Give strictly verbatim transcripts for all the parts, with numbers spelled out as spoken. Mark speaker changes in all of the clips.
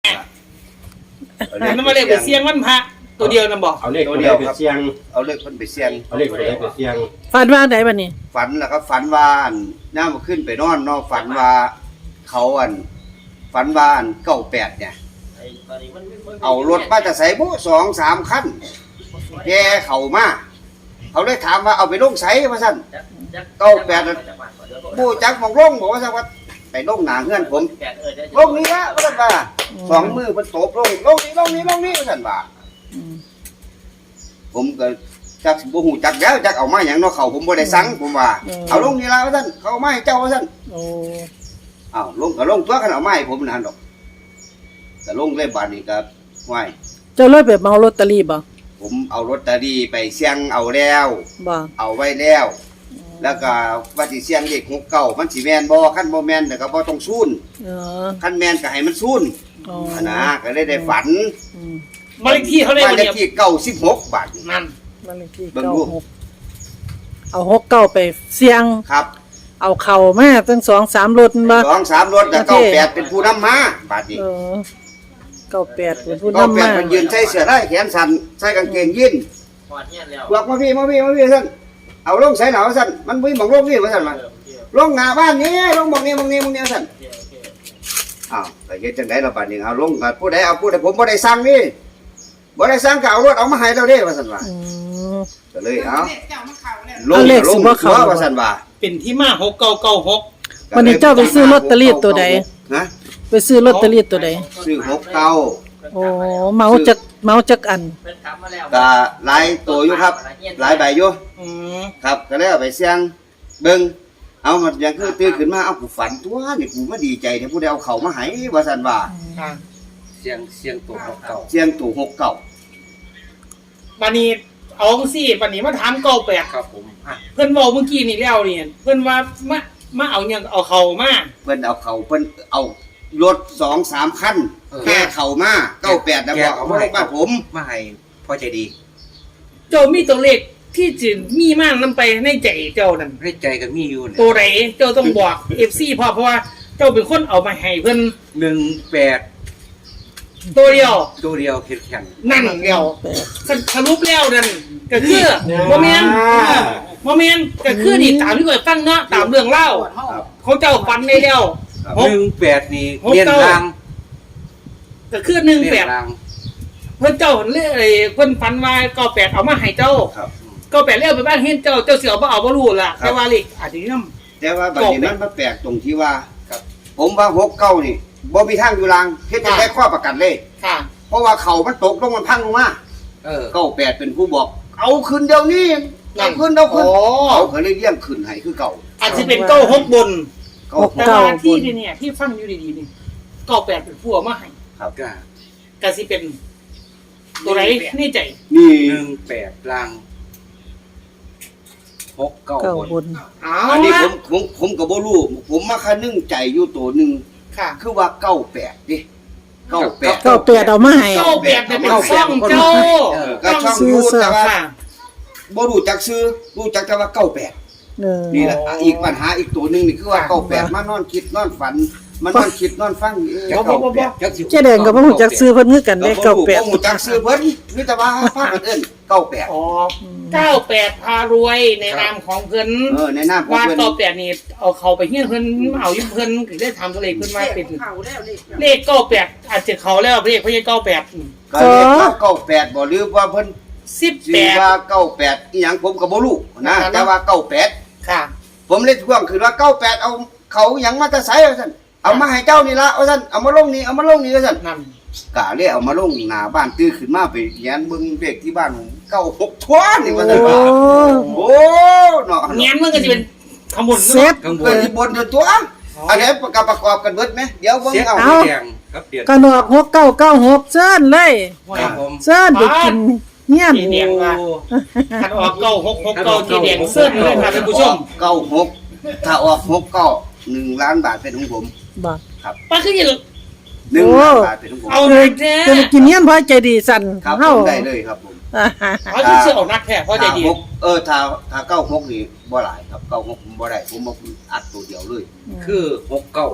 Speaker 1: อันนั้นมาเลยไปเสี่ยงวันพระตัวเดียวนะบอก
Speaker 2: เอาเลขตัวเดียวไปเสี่ยง
Speaker 3: เอาเลขคนไปเสี่ยง
Speaker 2: เอาเลขตัวเดียวไปเสี่ยง
Speaker 4: ฝันว่าไหนบัดนี้
Speaker 3: ฝันแล้วครับฝันว่าน้ามาขึ้นไปนอนนอกฝันว่าเขาอันฝันว่าอันเก้าแปดเนี่ยเอารถมาจะใส่บุสองสามคันแกเขามาเขาเลยถามว่าเอาไปลงใส่มาสั่นเก้าแปดบูจักมองลงบอกว่าสั่นว่าไปลงหนาเงื่อนผมลงนี้ละว่าสั่นว่าสองมือมันตบลงลงนี้ลงนี้ลงนี้ว่าสั่นว่าผมก็จักบ่ฮู้จักแล้วจักเอามาหยังเนาะเขาผมบ่ได้สั่งผมว่าเอาลงนี่ละว่าซั่นเขาเอามาให้เจ้าว่าซั่น
Speaker 4: โอ้
Speaker 3: อ้าวลงก็ลงตัวกันเอามาให้ผมนั่นดอกก็ลงเลยบาดนี้ก็ไหว้
Speaker 4: เจ้าเลยไปเมาลอตเตอรี่บ่
Speaker 3: ผมเอาลอตเตอรี่ไปเสี่ยงเอาแล้ว
Speaker 4: บ่
Speaker 3: เอาไว้แล้ว แล้วก็ว่าสิเสี่ยงเลขหกเก้ามันสิแม่นบ่คันบ่แม่นก็บ่ต้องซูน
Speaker 4: เออ
Speaker 3: คันแม่นก็ให้มันซูน
Speaker 4: อ๋อ
Speaker 3: อันนะก็เลยได้ฝัน
Speaker 4: อืม
Speaker 1: บ้านเลขที่เขาเลย
Speaker 3: บ้าน
Speaker 1: วัน
Speaker 3: เลข
Speaker 1: เดียว
Speaker 3: ที่เก้าสิบหกบาท
Speaker 1: นั่น
Speaker 4: บ้านเลขที่
Speaker 3: เบิ่ง
Speaker 4: เก้า
Speaker 3: ดู
Speaker 4: หกเอาหกเก้าไปเสี่ยง
Speaker 3: ครับ
Speaker 4: เอาเข่ามาตั้งสองสามรถบ่
Speaker 3: สองสามรถแล้วเก้าแปดเป็นผู้นำมาบาดนี้
Speaker 4: เออเก้าแปดเป็นผู้
Speaker 3: ก็
Speaker 4: นำ
Speaker 3: แป
Speaker 4: มา
Speaker 3: ดมันยืนใส่เสื้อได้แขนสั้นใส่กางเกงยีนบอกมาพี่มาพี่มาพี่สั่นเอาลงใส่หนาวสั่นมันวิ่งบอกลงนี่มาสั่นมาลงหน้าบ้านนี้ลงบอกนี้บอกนี้บอกนี้สั่นอ้าวแต่เฮ็ดจังได๋ล่ะบัดนี้เอาลงก็ผู้ใดเอาผู้ใดผมบ่ได้สั่งนี่บ่ได้สั่งก็เอารถเอามาให้เราเด้ว่าสั่นว่า
Speaker 4: อืม
Speaker 3: ก็เลยเอาล
Speaker 4: เอา
Speaker 3: ง
Speaker 4: เลข
Speaker 3: ล
Speaker 4: สิ
Speaker 3: ง
Speaker 4: บ่เข้า
Speaker 3: ว่าสั่นว่า
Speaker 1: เป็นที่มาหกเก้าเก้าหก
Speaker 4: วันนี้เจ้าไปซื้อลอตเตอรี่ตัวใด
Speaker 3: นะ
Speaker 4: ไปซื้อลอตเตอรี่ตัวใด
Speaker 3: ซื้อหกเก้า
Speaker 4: โอ้เมาจักเมาจักอัน
Speaker 3: ก็หลายตัวอยู่ครับ หลายใบอยู่
Speaker 1: อืม
Speaker 3: ครับก็เลยเอาไปเสี่ยงเบิ่งเอามันอย่างคือตื่นขึ้นมาเอากูฝันตัวนี่กูมาดีใจที่ผู้ใดเอาเข้ามาให้ว่าซั่นว่า
Speaker 1: ค่ะ
Speaker 2: เสี่ยงเสี่ยงตัวหกเก้า
Speaker 3: เสียงตู่หกเก้า
Speaker 1: วันนี้เอาสิวันนี้มาถามเก้าแปด
Speaker 2: ครับผมอ่ะ
Speaker 1: เพื่อนบอกเมื่อกี้นี่แล้วเนี่ยเพื่อนว่ามามาเอาอย่างเอาเขามา
Speaker 3: เพิ่นเอาเขาเพิ่นเอารถสองสามคันแก่เข้ามาเก้าแปดนะบอกเอามาลงบ้านผม
Speaker 2: มาให้พ่อใจดี
Speaker 1: เจ้ามีตัวเลขที่จะมีมากนำไปในใจเจ้านั่น
Speaker 2: ให้ใจกับมีอยู่เนี่ย
Speaker 1: ตัวไหนเจ้าต้องบอกเอฟซีพอเพราะว่าเจ้าเป็นคนเอามาให้เพื่อน
Speaker 2: หนึ่งแปด
Speaker 1: ตัวเดียว
Speaker 2: ตัวเดียวเข็ดแข็ง
Speaker 1: นั่นเดียวสรุปแล้วนั่นก็คือโมเมนโมเมนก็คือนี่ตามที่เคยฟังเนาะตามเรื่องเล่าเขาเจ้าฟันได้แล้วห
Speaker 2: ห
Speaker 1: ก
Speaker 2: นึ่งแปดนี่
Speaker 1: หก
Speaker 2: เลียน
Speaker 1: เก้า
Speaker 2: ราง
Speaker 1: ก็คือหนึ่ง
Speaker 2: เลี
Speaker 1: แป
Speaker 2: ย
Speaker 1: ด
Speaker 2: นราง
Speaker 1: เพื่อนเจ้าเรื่องอะไรเพื่อนฟันว่าเก้าแปดเอามาให้เจ้า
Speaker 3: ครับ
Speaker 1: เก้าแปดเรียกไปบ้านเห็นเจ้าเจ้าเสือบ่เอาบ่รู้ล่ะแต่ว่าเลขอาจจะน้ำ
Speaker 3: แต่ว่าบัดนี้มันมาแปลกตรงที่ว่าผมว่าหกเก้านี่บ่มีทางอยู่ลางเฮ็ดจังได๋ข้อประกันเลย
Speaker 1: ค่ะ
Speaker 3: เพราะว่าเขามันตกลงมันพังลงมา
Speaker 2: เออ
Speaker 3: เก้าแปดเป็นผู้บอก เอาขึ้นเดี๋ยวนี้เอาขึ้นเอาขึ้น
Speaker 1: โอ้
Speaker 3: เขาก็เลยเลี้ยงขึ้นให้คือเก่า
Speaker 1: อาจจะเป็นเก้าหกบน
Speaker 3: เก้า
Speaker 1: แต่ว่าที่นี่เนี่ยที่ฟังอยู่ดีๆนี่เก้าแปดเป็นผู้เอามาให้
Speaker 3: ครับ
Speaker 2: ก็
Speaker 1: ก็สิเป็นตัวไหนในใจ
Speaker 3: นี่
Speaker 2: หนึ่งแปดรางหกเก้า
Speaker 4: เก้า
Speaker 2: บน
Speaker 4: บน
Speaker 1: เอา
Speaker 3: อันนี้ผ
Speaker 1: ละ
Speaker 3: มผมผมก็บ่รู้ผมมาคันนึงใจอยู่ตัวหนึง
Speaker 1: ค่ะ
Speaker 3: คือว่าเก้าแปดดิเก้าแปด
Speaker 4: เก้าแปดเอามาให้
Speaker 1: เก้าแปดเนี่ยเป็นช่องเจ้า
Speaker 3: เออก็ช่องยูแต่ว่า
Speaker 1: ค่ะ
Speaker 3: บ่รู้จักซื้อรู้จักแต่ว่าเก้าแปด
Speaker 4: เออ
Speaker 3: นี่แหละ
Speaker 1: อ๋ออี
Speaker 3: อีกปัญหาอีกตัวหนึงนี่คือว่า
Speaker 1: ค่ะ
Speaker 3: เก้าแปดมานอนคิดนอนฝันมันนอนคิดนอนฟังเออ
Speaker 1: บ่บ่บ่บ่
Speaker 2: จักสิ
Speaker 4: เจ๊แดงก็บ่ฮู้จักซื้อเพิ่นคือกันเด้เก้าแปด
Speaker 3: บ่รู้จักซื้อเพิ่นมีแต่ว่าพากันเอิ้นเก้าแปด
Speaker 1: อ๋อเก้าแปดพารวยในนามของเพิ่น
Speaker 3: เออในนามของ
Speaker 1: ว่า
Speaker 3: เพิ่น
Speaker 1: เก้าแปดนี่เอาเขาไปเฮี้ยนเพิ่นเอาอยู่เพิ่นถึงได้ทำตัวเลขเพิ่นว่าเป็นเลขเก้าแปดอาจจะเขาแล้วเลขเพราะยังเก้าแปด
Speaker 3: ก็เรียกว่าเก้าแปดบ่หรือว่าเพิ่น
Speaker 1: สิบ
Speaker 3: สิ
Speaker 1: แปด
Speaker 3: ว่าเก้าแปดอีหยังผมก็บ่รู้นะ
Speaker 1: อ่า
Speaker 3: แต่ว่าเก้าแปด
Speaker 1: ค่ะ
Speaker 3: ผมเลยทวงคือว่าเก้าแปดเอาเขาหยังมาแต่ไสว่าซั่นเอามาให้เจ้านี่ละว่าซั่นเอามาลงนี่เอามาลงนี่ว่าซั่น
Speaker 1: นั่น
Speaker 3: กะเลยเอามาลงหน้าบ้านตื้อขึ้นมาไปแย้นเบิ่งเลขที่บ้านผมเก้าหกทวนนี่ว่าซั่น
Speaker 4: โอ้
Speaker 3: ว่าโอ้เนาะ
Speaker 1: เงี้ยมันก็จะเป็นขมุน
Speaker 4: เซ็ต
Speaker 2: ข้างบ
Speaker 3: เพิ่
Speaker 2: น
Speaker 3: นสิบนตัวอันนี้ประกอบประกอบกันเบิดไหมเดี๋ยวเบิ่ง
Speaker 2: เสีย
Speaker 3: เอา
Speaker 2: สีแดงครับเดือน
Speaker 4: กันออกหกเก้าเก้าหกเซิ้นเลย
Speaker 2: ครับผม
Speaker 4: เซิ้นไปกินเงี้ยน
Speaker 1: จีแดงว่าขันออกเก้าหกหกเก้าจีแดงเสื้อเลยค่ะท่านผู้ชม
Speaker 3: เก้าหกถ้าออกหกเก้าหนึ่งล้านบาทเป็นของผม
Speaker 4: บ่
Speaker 1: ป้าคืออย่าง
Speaker 3: หนึ่งล้านบาทเป็นของผม
Speaker 1: เอาเลยแท้
Speaker 4: จะไปกินเงี้ยนเพราะใจดีสั่น
Speaker 3: ครับผ
Speaker 4: เฮาม
Speaker 3: ได้เลยครับผม
Speaker 1: เขาจะเชื่อออกนักแท้เพราะใจดี
Speaker 3: ถ้าหกเออถ้าถ้าเก้าหกนี่บ่หลายครับเก้าหกผมบ่ได้ผมมาอัดตัวเดียวเลย
Speaker 2: คือหกเก้า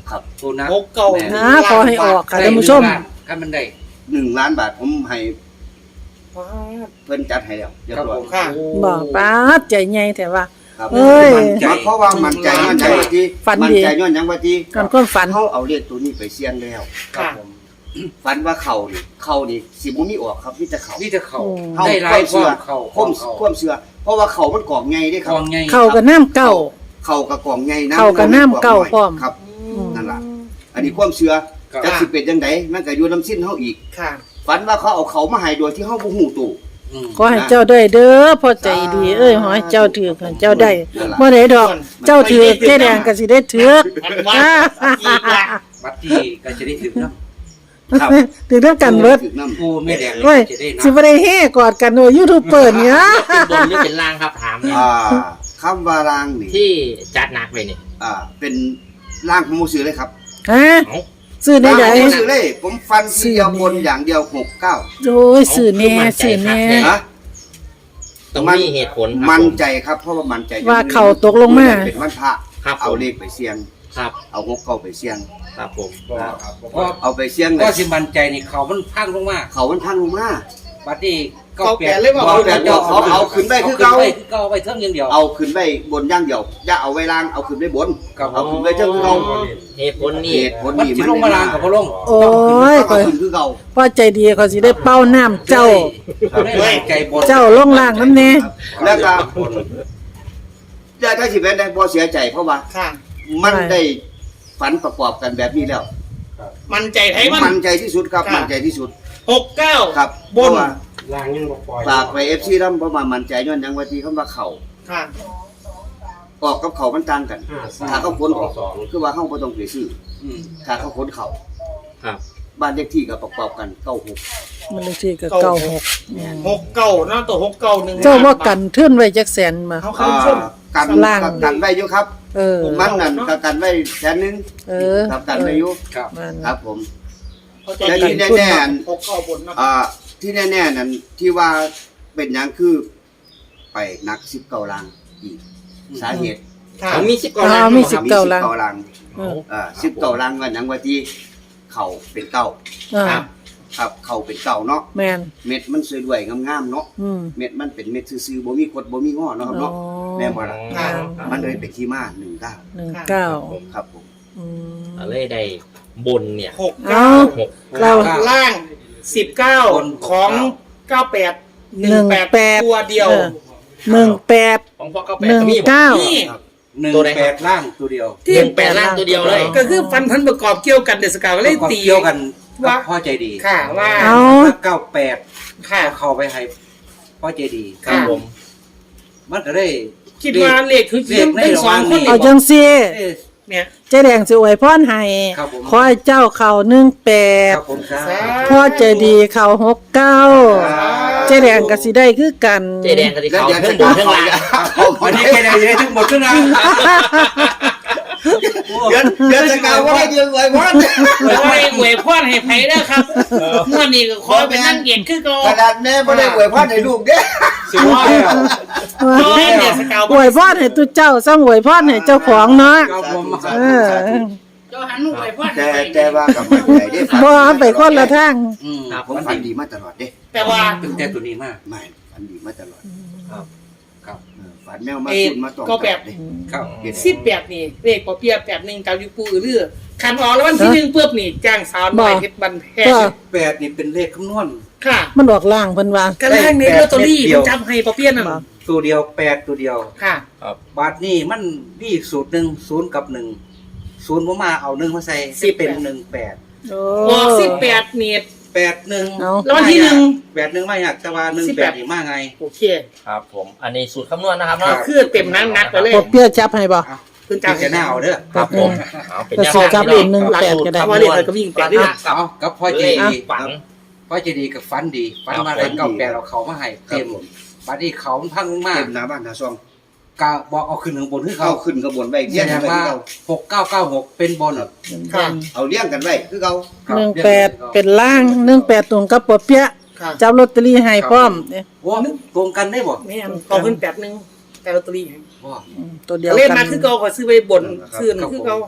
Speaker 3: ครับ
Speaker 2: ตัวนัก
Speaker 1: หกเก้า
Speaker 4: อ่าขอให้ออกค่ะท่านผู้ชม
Speaker 2: ถ้ามันได้
Speaker 3: หนึ่งล้านบาทผมให้
Speaker 1: ว้า
Speaker 3: เพิ่นจัดให้แล้วเรียบร้อย
Speaker 1: ค่ะ
Speaker 4: บอกป้าดใจใหญ่แต่ว่า
Speaker 3: ครับ
Speaker 4: เอ้ย
Speaker 3: มั่นใจเพราะว่ามั่นใจย้อนหยังว่าที่
Speaker 4: ฝันดี
Speaker 3: มั่นใจย้อนหยังว่าที่
Speaker 4: ก่อนความฝัน
Speaker 3: เขาเอาเลขตัวนี้ไปเสี่ยงแล้ว
Speaker 2: ครับ
Speaker 1: ค่ะ
Speaker 2: ผม
Speaker 3: ฝันว่าเขานี่เขานี่สิบ่มีออกครับมีแต่เขา
Speaker 2: นี่จะเขา
Speaker 4: โอ้
Speaker 3: เขา
Speaker 2: ได้หลา
Speaker 3: ควาย มเชื่อ
Speaker 2: เขา
Speaker 3: ความ
Speaker 2: เขา
Speaker 3: ความเชื่อเพราะว่าเขามันกล่องใหญ่เด้ค
Speaker 2: ก
Speaker 3: รับ
Speaker 2: องไง
Speaker 4: เข้ากับน้ำเก่า
Speaker 3: เขากับกล่องใหญ่น้ำ
Speaker 4: เข้ากับน้ำเก่าพร้อม
Speaker 3: ครับ นั่นล่ะ อันนี้ความเชื่อ
Speaker 2: ครับ
Speaker 3: จักสิเป็นจังไดมันก็อยู่น้ำสิ้นเฮาอีก
Speaker 1: ค่ะ
Speaker 3: ฝันว่าเขาเอาเขามาให้โดยที่เฮาบ่ฮู้ตู่
Speaker 2: อืม
Speaker 4: ขอให้เจ้าได้เด้อพ่อใจดี เอ้ยขอให้เจ้าถือให้เจ้าได้บ่ได้ดอก เจ้าถือเจ๊แดงก็สิได้ถือ
Speaker 1: มันว่าอีกละ
Speaker 2: บัตรที่ก็จะได้ถึงน้
Speaker 3: ครับ
Speaker 4: ถือเท่ากันเบิด
Speaker 3: ถูน้ำ
Speaker 2: ำกูไม่แดงเล
Speaker 4: โอ้ย
Speaker 2: ยจะได้
Speaker 4: สิ
Speaker 2: น้ำ
Speaker 4: บ่ได้เฮกอดกันโอ้ยูทูบเปิดเนี่ย
Speaker 5: เป็นบนหรือเป็นล่างครับถามเนี่ย
Speaker 3: อ่าคำว่ารางนี่
Speaker 5: ที่จัดหนักไปนี่
Speaker 3: อ่าเป็นร่างของหมูซื้อเลยครับ
Speaker 4: ฮะ
Speaker 5: เอ้า
Speaker 4: ซื้อได้
Speaker 3: ร่าง
Speaker 4: ได
Speaker 3: ของหมูซื้อเลย ผมฟันทีเดียวบนอย่างเดียวหกเก้า
Speaker 4: โอ้ยซื้อแน่ซื้อแน่
Speaker 3: ฮะ
Speaker 5: ต้อง
Speaker 3: มัน
Speaker 5: มีเหตุผลครับ
Speaker 3: มั่น
Speaker 5: ผม
Speaker 3: ใจครับเพราะว่ามั่นใจ
Speaker 4: ว่าเขาตกลงมา
Speaker 3: เป็นวันพระ
Speaker 5: ครับ
Speaker 3: เอา
Speaker 5: ผม
Speaker 3: เลขไปเสี่ยง
Speaker 5: ครับ
Speaker 3: เอาหกเก้าไปเสี่ยง
Speaker 5: ครับผม
Speaker 2: ก็
Speaker 3: เอาไปเสี่ยงเล
Speaker 2: ก็
Speaker 3: ย
Speaker 2: สิมันใจนี่เขามันพังลงมา
Speaker 3: เขามันพังลงมา
Speaker 2: บัตรที่
Speaker 1: เขาแปดเลยว่า
Speaker 3: เขาแปดเขาเอาขึ้นได้คือ
Speaker 2: เก่า
Speaker 3: เก่า
Speaker 2: คือเก่าไปเท่าอย่างเดียว
Speaker 3: เอาขึ้นได้บนอย่างเดียวอย่าเอาไว้ล่างเอาขึ้นได้บน
Speaker 2: ครับ
Speaker 3: เอาขึ้นได้เท่าคือเก่า
Speaker 5: เหตุผล
Speaker 3: เห
Speaker 5: นี่
Speaker 3: ตุผล
Speaker 2: มัน
Speaker 3: นี่
Speaker 2: สิลงมาลางกับพอลง
Speaker 4: โอ้ย
Speaker 3: เอาขึ้นคือเก่า
Speaker 4: พ่อใจดีเขาสิได้เป้าน้ำเจ้า
Speaker 2: ได้ใจบน
Speaker 4: เจ้าลงล่างน้ำแน่
Speaker 3: แล้วก็อย่าถ้าสิเป็นได้บ่เสียใจเพราะว่า
Speaker 1: ค่ะ
Speaker 3: มันได้ฝันประกอบกันแบบนี้แล้ว
Speaker 1: มันใจไทยมัน
Speaker 3: มั่นใจที่สุดครับ
Speaker 1: ค่ะ
Speaker 3: มั่นใจที่สุด
Speaker 1: หกเก้า
Speaker 3: ครับ
Speaker 1: บน
Speaker 3: เพราะว่าฝากไป เอฟ ซี นำเพราะว่ามั่นใจย้อนหยังว่าที่คำว่าเขา
Speaker 1: ค่ะ
Speaker 3: ออกกับเขามันต่างกัน ถ้าเขาขนออกคือว่าเฮาบ่ต้องไปซื้อ
Speaker 2: อืม
Speaker 3: ถ้าเขาขนเขา
Speaker 5: ครับ
Speaker 3: บ้านเลขที่ก็ประกอบกันเก้าหก
Speaker 4: มันเลยที่ก็เก้าหก
Speaker 1: หกเก้าเนาะตัวหกเก้าหนึ่ง
Speaker 4: เจ้าว่ากันเทื่อนไว้จักแสนมา
Speaker 1: เขา
Speaker 3: อ่า
Speaker 1: เข้าชม
Speaker 3: กัน
Speaker 4: ล่าง
Speaker 3: กันไว้อยู่ครับ
Speaker 4: เออ
Speaker 3: มันนั่นก็กันไว้แสนหนึง
Speaker 4: เออ
Speaker 3: ครับกันไว้อยู่
Speaker 2: ครับ
Speaker 4: มัน
Speaker 3: ครับผม
Speaker 1: เขาใจ
Speaker 3: แต่
Speaker 1: ดี
Speaker 3: ที่แน่ๆอัน
Speaker 1: หกเก้าบนเนาะ
Speaker 3: อ่าที่แน่ๆนั่นที่ว่าเป็นหยังคือไปนักสิบเก้าลางอีกสาเหตุ
Speaker 1: ค่ะ
Speaker 5: เขามีสิบกว่า
Speaker 4: อ่า
Speaker 5: ล้าน
Speaker 4: มี
Speaker 5: ค
Speaker 4: สิ
Speaker 5: รั
Speaker 4: บบ เก้าลัง
Speaker 3: สิบเก้าลัง
Speaker 4: เออ
Speaker 3: อ่าสิบเก้าลังว่าหยังว่าที่เขาเป็นเก้า
Speaker 4: อ่า
Speaker 3: ครับเขาเป็นเก้าเนาะ
Speaker 4: แมน
Speaker 3: เม็ดมันสวยด้วยงามๆเนาะ
Speaker 4: อืม
Speaker 3: เม็ดมันเป็นเม็ดซื่อๆบ่มีกดบ่มีงอเนาะครับเนาะ
Speaker 4: อ๋อ
Speaker 3: แม่นบ่ล่ะ
Speaker 1: ค่ะ
Speaker 3: มันเลยเป็นที่มาหนึ่งเก้า
Speaker 4: หนึ่งเก้า
Speaker 3: ครับผม
Speaker 4: อืม
Speaker 5: อะไรได้บนเนี่ย
Speaker 1: หกเก้า
Speaker 5: หก
Speaker 4: เรา
Speaker 1: ล่างสิบเก้าของเก้าแปดหนึ่งแปด
Speaker 4: แปด
Speaker 1: ตัวเดียว
Speaker 4: ออหนึ่งแปด
Speaker 5: ของพ่อเก้าแป
Speaker 4: ห
Speaker 5: ด
Speaker 4: นึ่ง
Speaker 5: ก็มี
Speaker 4: เก้า
Speaker 1: นี่
Speaker 2: หนึ่ง
Speaker 5: ตัวใดครับ
Speaker 2: แปดล่างตัวเดียว
Speaker 5: หนึ่งแปดล่างตัวเดียวเลย
Speaker 1: ก็คือฟันพันประกอบเกี่ยวกันเดสกาวก็เลยตี
Speaker 2: เกี่ยวกัน
Speaker 1: ว่า
Speaker 2: พ่อใจดี
Speaker 1: ค่ะว่า
Speaker 4: เอา
Speaker 2: เก้าแปด
Speaker 1: ค่ะ
Speaker 2: เข้าไปให้พ่อใจดี
Speaker 5: ครับผม
Speaker 2: มันก็ได้
Speaker 1: คิดว่าเลขคือ
Speaker 2: เลขใน
Speaker 1: เป็นสองคน
Speaker 2: ระหว่างนี้
Speaker 4: เอาจังซี่
Speaker 2: เอ้ย
Speaker 1: เนี่ย
Speaker 4: เจ๊แดงสิอวยพรให้
Speaker 2: ครับผม
Speaker 4: ขอให้เจ้าเข้าหนึ่งแป
Speaker 2: ค
Speaker 4: ด
Speaker 2: รับผมครับ
Speaker 4: พ่อใจดีเข้าหกเก้าเจ๊แดงก็สิได้คือกัน
Speaker 5: เจแดงกับที่
Speaker 3: แล้ว
Speaker 5: เขา
Speaker 3: เดี๋ยว
Speaker 5: เครื่
Speaker 3: จะ
Speaker 5: องบนเครื่องล่าง
Speaker 3: เอา
Speaker 2: วันนี้แค่ไหนจะได้ทั้งหมดขึ้นนะ
Speaker 3: เดี๋ยวเดี๋ยวจะกล่าวว่าให้เดียวไว้วัน
Speaker 1: ขอให้หวยพ่อนให้ไผ่ได้อครับเมื่อนี้ก็ขอเป็นนั่งเกียรติคือก็
Speaker 3: ขนาดแม่บ่ได้อวยพรให้ลูกเด้
Speaker 2: สิว่าแล้ว
Speaker 1: ขอให้เดสกาว
Speaker 4: อวยพรให้ตุเจ้าซ้ำอวยพรให้เจ้าของเนาะ
Speaker 2: ครับผม
Speaker 4: เออ
Speaker 1: เจ้าหันหนูหวยพ่อน
Speaker 3: แต่แต่ว่ากับมันใจได้ฝัน
Speaker 4: บ่ไปคนละทาง
Speaker 2: อืม
Speaker 3: ผมฝันดีมาตลอดเด้
Speaker 1: แต่ว่า
Speaker 2: ตั้งแต่ตัวนี้มาก
Speaker 3: ไม่ฝันดีมาตลอด
Speaker 2: ครับครับ
Speaker 3: เออฝันแมวมา
Speaker 1: เอ็ด
Speaker 3: คุณมาตอง
Speaker 1: ก็แบบ
Speaker 3: เด้
Speaker 2: ครับ
Speaker 1: สิบแปดนี่เลขปอเปียแปดหนึ่งเก้ายูปูเรือคันออกแล้ววันที่หนึ่งปุ๊บนี่จ้างสาวน้อยเพชรบันแพง
Speaker 4: ก็
Speaker 2: แปดนี่เป็นเลขคำนวณ
Speaker 1: ค่ะ
Speaker 4: มันออกล่างเพิ่นว่า
Speaker 1: กระแรกในลอตเตอรี่มันจำให้ปอเปียนั่น
Speaker 4: บ่
Speaker 2: ตัวเดียวแปดตัวเดียว
Speaker 1: ค่ะ
Speaker 2: บาทนี่มันมีอีกสูตรหนึ่งศูนย์กับหนึ่งศูนย์ผมมาเอาหนึ่งมาใส่สิเป็นหนึ่งแปด
Speaker 4: โอ้
Speaker 1: ออกสิบแปดนี่
Speaker 2: แปดหนึ่ง
Speaker 4: เอา
Speaker 1: แล้ววันที่หนึ่ง
Speaker 2: แปดหนึ่งไม่อยากแต่ว่าหนึ่ง
Speaker 1: สิบ
Speaker 2: แป
Speaker 1: แป
Speaker 2: ด
Speaker 1: ด
Speaker 2: นี่มาไง
Speaker 1: โอเค
Speaker 5: ครับผม อันนี้สูตรคำนวณนะครับ
Speaker 1: ก็
Speaker 5: เนาะ
Speaker 1: คือเต็มนักนักไปเลย
Speaker 4: พอเปี้ยจับให้บ่
Speaker 2: เอา
Speaker 1: คุณ
Speaker 2: จะ
Speaker 1: จ้าง
Speaker 2: จะหน้าเอาเด้อ
Speaker 5: ครับผมเอาเป็น
Speaker 4: ก็
Speaker 5: แนว
Speaker 4: สูตร
Speaker 5: ทาง
Speaker 4: กับ
Speaker 5: ที่
Speaker 4: อีกหนึ่ง
Speaker 5: หลัก
Speaker 4: แปด
Speaker 5: สูตร
Speaker 1: แต่
Speaker 5: คำ
Speaker 1: ว่าน เลข
Speaker 5: วณ
Speaker 1: อะไรก็วิ่งแปดนี่
Speaker 2: เอากับพ่อเจ
Speaker 5: เลข
Speaker 2: ดี
Speaker 5: ฝัน
Speaker 2: พ่อเจดีกับฟันดีฟันมา
Speaker 5: ครับ
Speaker 2: กันเก้าแปดเอาเขามาให้เต็มบาทนี่เขามันพังมาก
Speaker 3: เต็มหน้าบ้านหน้าซอง
Speaker 2: กาบอกเอาขึ้นข้างบนคือ
Speaker 3: เข้า
Speaker 2: เขา
Speaker 3: ขึ้นกระบวนไว้
Speaker 2: แส
Speaker 3: เลี้ยง
Speaker 2: ด
Speaker 3: กัน
Speaker 2: ง
Speaker 3: ไว้
Speaker 2: ว่า
Speaker 3: คือเขา
Speaker 2: หกเก้าเก้าหกเป็นบนเหรอ
Speaker 1: ค่ะ
Speaker 3: เอาเลี้ยงกันไว้คือเขา
Speaker 2: ครับ
Speaker 4: หนึ่งแปดเป็นล่างหนึ่งแปดตรงกับปอเปี๊ยะ
Speaker 1: ค่ะ
Speaker 4: จับลอตเตอรี่ให้พร้อมเนี่ย
Speaker 2: โอ้ตรงกันได้บ่
Speaker 1: แม่นขอขึ้นแปดหนึ่งแต่ลอตเตอรี่
Speaker 2: บ่
Speaker 4: อืมตัวเดียว
Speaker 1: เล่น
Speaker 4: กั
Speaker 1: มาน คือเก่าขอซื้อไปบนซื้อหนึ่งคือเก่า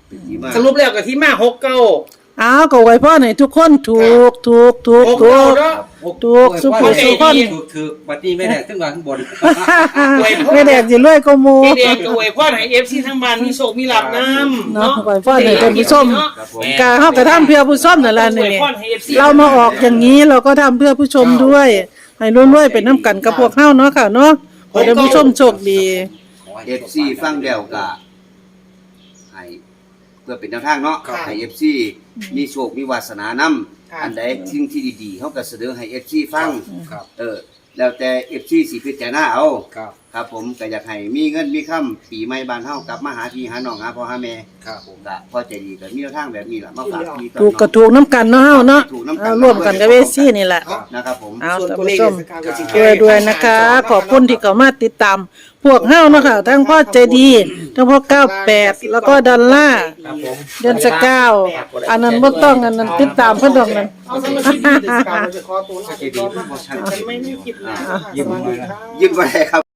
Speaker 3: เป็นที่มา
Speaker 1: สรุปแล้วก็ที่มาหกเก้า
Speaker 4: อ้าวก็ไว้พ่อให้ทุกคนถูกถูกถูก
Speaker 1: หก
Speaker 4: ถู
Speaker 1: เก้าก เนาะ
Speaker 4: ถูกสุขสุขคน
Speaker 2: ถูกถือบัดนี้ไม่ได้ขึ้นมาข้างบน
Speaker 4: ไม่แดกสิรวยก็หมู่
Speaker 1: พี่แดงก็อวยพรให้ เอฟ ซี ทั้งบ้านมีโชคมีลาภนำ
Speaker 4: เนาะไว้พ่อให้ท่านผู้ชม
Speaker 3: ครับผม
Speaker 4: กาเฮาก็ทำเพื่อผู้ชมนั่นล่ะ
Speaker 1: อ
Speaker 4: นี่
Speaker 1: วย
Speaker 4: นี่
Speaker 1: พรให้ เอฟ ซี
Speaker 4: เรามาออกอย่างนี้เราก็ทำเพื่อผู้ชมด้วยให้รวยๆเป็นน้ำกันกับพวกเฮาเนาะค่ะเนาะขอให้ท่านผู้ชมโชคดี
Speaker 3: เอฟซีฟังเดียวก็ให้เพื่อเป็นแนวทางเนาะ
Speaker 1: ครับ
Speaker 3: ให้เอฟซีมีโชคมีวาสนานํ
Speaker 1: ครับ
Speaker 3: อันใดสิ่งที่ดีๆเฮาก็เสนอให้เอฟซีฟัง
Speaker 2: ครับ
Speaker 3: เออ แล้วแต่เอฟซีสิพิจารณาเอา
Speaker 2: ครับ
Speaker 3: ครับผมก็อยากให้มีเงินมีค่ำปีใหม่บ้านเฮากลับมาหาพี่หาน้องหาพ่อหาแม่
Speaker 2: ครับผม
Speaker 3: ก็พอใจดีก็มีแนวทางแบบนี้ล่ะมาฝากพี่ต่อ
Speaker 4: ถูกก็ถูกน้ำกันเนาะเฮาเนาะเอาร่วมกันกับเวซี่นี่แหละ
Speaker 3: นะครับผม
Speaker 4: เอา
Speaker 1: ส่วน
Speaker 4: ท่าน
Speaker 1: ตัวเล
Speaker 4: ผู้
Speaker 1: ข
Speaker 4: ชม
Speaker 1: สกาวก็สิ
Speaker 4: ด้วยด้วยนะคะ ขอบคุณที่เข้ามาติดตาม พวกเฮาเนาะค่ะทั้งพ่อใจดีทั้งพ่อเก้าแปดแล้วก็ดอลลาร์
Speaker 5: ครับผม
Speaker 4: เดือนสกาวอันนั้นบ่ต้องอันนั้นติดตามเพิ่นดอกนั้น
Speaker 1: เอาสำหรับคลิปนี้เดี๋ยวสกาวจะขอตัวลาไปก่อนนะคะฉันไม่มีคลิปหน้านะคะสวัสดีครับ
Speaker 3: ยิ้มไว้ครับ